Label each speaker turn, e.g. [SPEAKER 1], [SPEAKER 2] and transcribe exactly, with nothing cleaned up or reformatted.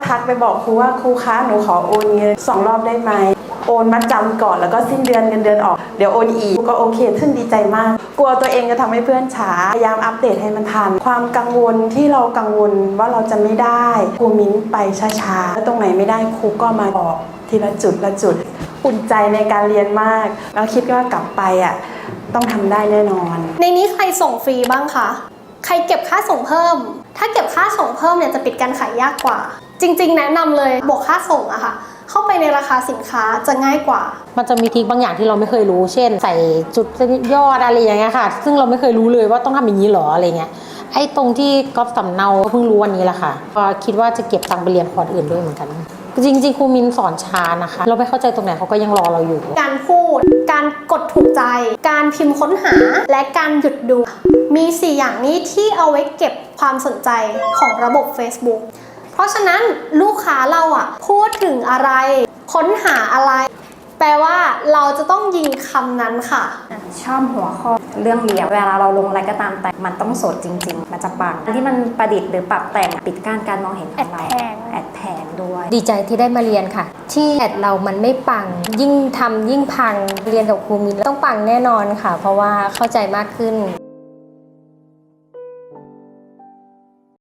[SPEAKER 1] ทักไปบอกครูว่าครูคะหนูขอโอนเงินสองรอบได้ไหมโอนมัดจำก่อนแล้วก็สิ้นเดือนเงินเดือนออกเดี๋ยวโอนอีกก็โอเคขึ้นดีใจมากกลัวตัวเองจะทำให้เพื่อนช้าพยายามอัปเดตให้มันทันความกังวลที่เรากังวลว่าเราจะไม่ได้ครูมิ้นไปช้าๆแล้วตรงไหนไม่ได้ครูก็มาบอกทีละจุดละจุดอุ่นใจในการเรียนมากแล้วคิดว่ากลับไปอ่ะต้องทำได้แน่นอน
[SPEAKER 2] ในนี้ใครส่งฟรีบ้างคะใครเก็บค่าส่งเพิ่มถ้าเก็บค่าส่งเพิ่มเนี่ยจะปิดการขายยากกว่าจริงๆแนะนำเลยบวกค่าส่งอะค่ะเข้าไปในราคาสินค้าจะง่ายกว่า
[SPEAKER 3] มันจะมีทริคบางอย่างที่เราไม่เคยรู้เช่นใส่จุดยอดอะไรอย่างเงี้ยค่ะซึ่งเราไม่เคยรู้เลยว่าต้องทำอย่างนี้หรออะไรเงี้ยไอ้ตรงที่ก๊อฟสำเนาเพิ่งรู้วันนี้แหละค่ะก็คิดว่าจะเก็บตังค์ไปเรียนคอร์สอื่นด้วยเหมือนกันจริงๆครูมินสอนช้านะคะเราไม่เข้าใจตรงไหนเขาก็ยังรอเราอยู่
[SPEAKER 2] การพูดการกดถูกใจการพิมพ์ค้นหาและการหยุดดูมีสี่อย่างนี้ที่เอาไว้เก็บความสนใจของระบบ Facebook เพราะฉะนั้นลูกค้าเราอ่ะพูดถึงอะไรค้นหาอะไรแปลว่าเราจะต้องยิงคำนั้นค่ะ
[SPEAKER 4] ชอบหัวข้อเรื่องเรียวเวลาเราลงอะไรก็ตามแต่มันต้องสดจริงๆมันจะปังที่มันประดิษฐ์หรือปรับแต่งปิดกั้นการมองเห็นของเราแอดแพงด้วย
[SPEAKER 5] ดีใจที่ได้มาเรียนค่ะที่แอดเรามันไม่ปังยิ่งทำยิ่งพังเรียนกับครูมินต้องปังแน่นอนค่ะเพราะว่าเข้าใจมากขึ้น